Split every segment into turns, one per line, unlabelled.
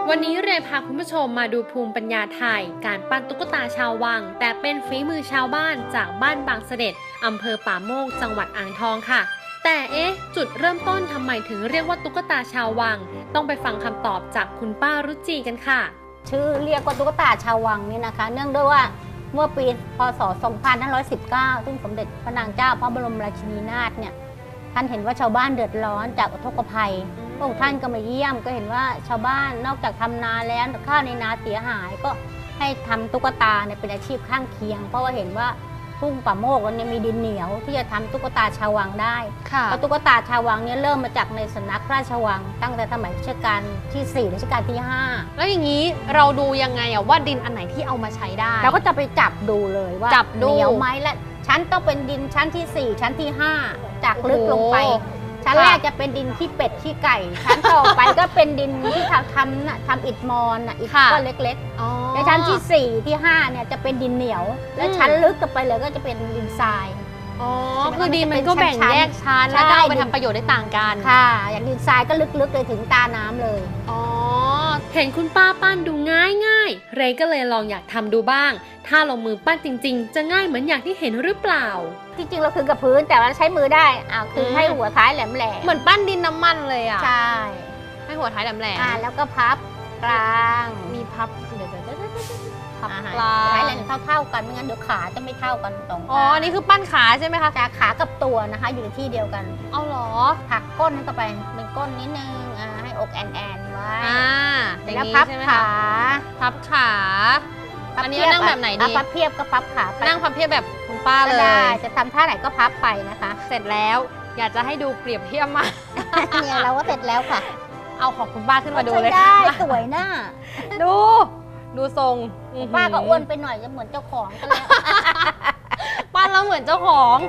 วันนี้เรยพาคุณผู้ชมมาดูภูมิปัญญาไทยการปั้นตุ๊กตาชาววังแต่เป็นฝีมือชาวบ้านจากบ้านบางเสด็จอำเภอป่าโมกจังหวัดอ่างทองค่ะแต่จุดเริ่มต้นทำไมถึงเรียกว่าตุ๊กตาชาววังต้องไปฟังคำตอบจากคุณป้ารุจีกันค่ะ
ชื่อเรียกว่าตุ๊กตาชาววังนี่นะคะเนื่องด้วยว่าเมื่อปีพศ 2519 ซึ่งสมเด็จพระนางเจ้าพระบรมราชินีนาถเนี่ยท่านเห็นว่าชาวบ้านเดือดร้อนจากอุทกภัยพระองค์ท่านก็มาเยี่ยมก็เห็นว่าชาวบ้านนอกจากทำนาแล้วข้าวในนาเสียหายก็ให้ทำตุ๊กตาเนี่ยเป็นอาชีพข้างเคียงเพราะว่าเห็นว่าทุ่งป่าโมกเนี่ยมีดินเหนียวที่จะทำตุ๊กตาชาววังได้เพราะตุ๊กตาชาววังเนี่ยเริ่มมาจากในสำนักราชวังตั้งแต่สมัยรัชกาลที่4รัชกาลที่5
แล้วอย่างนี้เราดูยังไงว่าดินอันไหนที่เอามาใช้ได้
เราก็จะไปจับดูเลยว่าเหนียวไหมและชั้นต้องเป็นดินชั้นที่4ชั้นที่5จากลึกลงไปชั้นแรกจะเป็นดินขี้เป็ดขี้ไก่ชั้นต่อไปก็เป็นดินที่ทำอิฐมอนอิฐก้อนเล็กๆในชั้นที่4ที่5เนี่ยจะเป็นดินเหนียวและชั้นลึกกันไปเลยก็จะเป็นดินทราย
คือดินมันก็แบ่งแยกชั้นแล้วก็เอาไปทำประโยชน์ได้ต่างกัน
ค่ะอย่างดินทรายก็ลึกๆเลยถึงตาน้ำเลย
เห็นคุณป้าปั้นดูง่ายเรย์ก็เลยลองอยากทำดูบ้างถ้าลงมือปั้นจริงๆจะง่ายเหมือนอย่างที่เห็นหรือเปล่า
จริงๆเราคือกับพื้นแต่ว่าใช้มือได้คือให้หัวท้ายแหลม
เหมือนปั้นดินน้ำมันเลย
ใช่
ให้หัวท้ายแหลม
แล้วก็พับกลาง
มีพับเดี๋ยว
พับกลางท้ายแหลมเท่ากันไม่งั้นเดี๋ยวขาจะไม่เท่ากันตรง
นี่คือปั้นขาใช่ไหมคะ
ขากับตัวนะคะอยู่ในที่เดียวกัน
เอาหรอ
ผักก้นเข้าไปเป็นก้นนิดนึงให้อกแอนไว้
แล้ว
พับขา
อันนี้นั่งแบบไหนดี
พับเพียบก็พับขา
นั่งพับเพียบแบบคุณป้าเลย
จะทำท่าไหนก็พับไปนะคะ
เสร็จแล้วอยากจะให้ดูเปรียบเทียบมา
เนี่ยเราก็เสร็จแล้วค่ะ
เอาของคุณป้าขึ้นมาดูเลย
ได้สวยหน้า
ดูทรง
ป้าก็อ้วนไปหน่อยจะเหมือนเจ้าของก็แล้ว
ป้าแล้วเหมือนเจ้าของ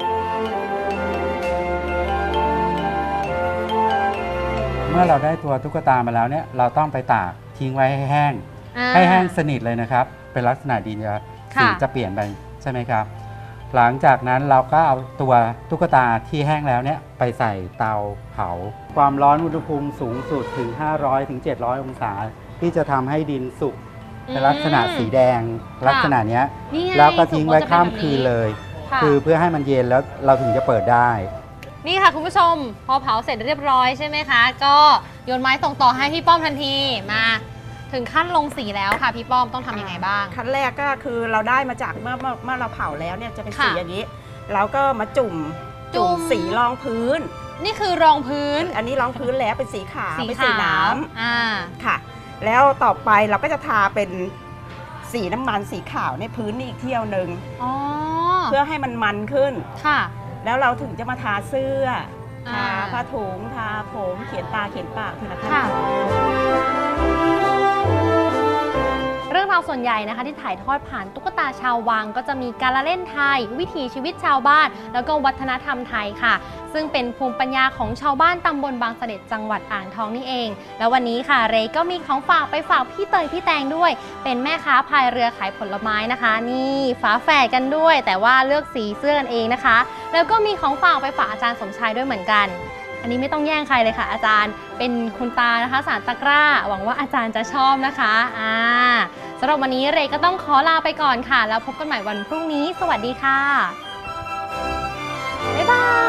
เมื่อเราได้ตัวตุ๊กตามาแล้วเนี่ยเราต้องไปตากทิ้งไว้ให้แห้งสนิทเลยนะครับเป็นลักษณะดินสีจะเปลี่ยนไปใช่ไหมครับหลังจากนั้นเราก็เอาตัวตุ๊กตาที่แห้งแล้วเนี่ยไปใส่เตาเผาความร้อนอุณหภูมิสูงสุดถึง500ถึง700องศาที่จะทำให้ดินสุกเป็นลักษณะสีแดงลักษณะนี้แล้วก็ทิ้งไว้ข้ามคืนเลยคือเพื่อให้มันเย็นแล้วเราถึงจะเปิดได้
นี่ค่ะคุณผู้ชมพอเผาเสร็จเรียบร้อยใช่ไหมคะก็โยนไม้ส่งต่อให้พี่ป้อมทันทีมาถึงขั้นลงสีแล้วค่ะพี่ป้อมต้องทำยังไงบ้าง
ขั้นแรกก็คือเราได้มาจากเมื่อเราเผาแล้วเนี่ยจะเป็นสีอย่างนี้เราก็มาจุ่มสีรองพื้น
นี่คือรองพื้น
อันนี้รองพื้นแล้วเป็นสีขาวเป็นสีน้ำค่ะแล้วต่อไปเราก็จะทาเป็นสีน้ำมันสีขาวในพื้นนี่อีกเที่ยวหนึ่งเพื่อให้มันมันขึ้น
ค่ะ
แล้วเราถึงจะมาทาเสื้อทาผ้าถุงทาผมเขียนตาเขียนปากทีละขั้นตอน
เรื่องราวส่วนใหญ่นะคะที่ถ่ายทอดผ่านตุ๊กตาชาววังก็จะมีการละเล่นไทยวิถีชีวิตชาวบ้านแล้วก็วัฒนธรรมไทยค่ะซึ่งเป็นภูมิปัญญาของชาวบ้านตำบลบางเสด็จจังหวัดอ่างทองนี่เองแล้ววันนี้ค่ะเรย์ก็มีของฝากไปฝากพี่เตยพี่แตงด้วยเป็นแม่ค้าพายเรือขายผลไม้นะคะนี่ฝาแฝดกันด้วยแต่ว่าเลือกสีเสื้อกันเองนะคะแล้วก็มีของฝากไปฝากอาจารย์สมชายด้วยเหมือนกันอันนี้ไม่ต้องแย่งใครเลยค่ะอาจารย์เป็นคุณตานะคะสารตะกร้าหวังว่าอาจารย์จะชอบนะคะสำหรับวันนี้เรย์ก็ต้องขอลาไปก่อนค่ะแล้วพบกันใหม่วันพรุ่งนี้สวัสดีค่ะบ๊ายบาย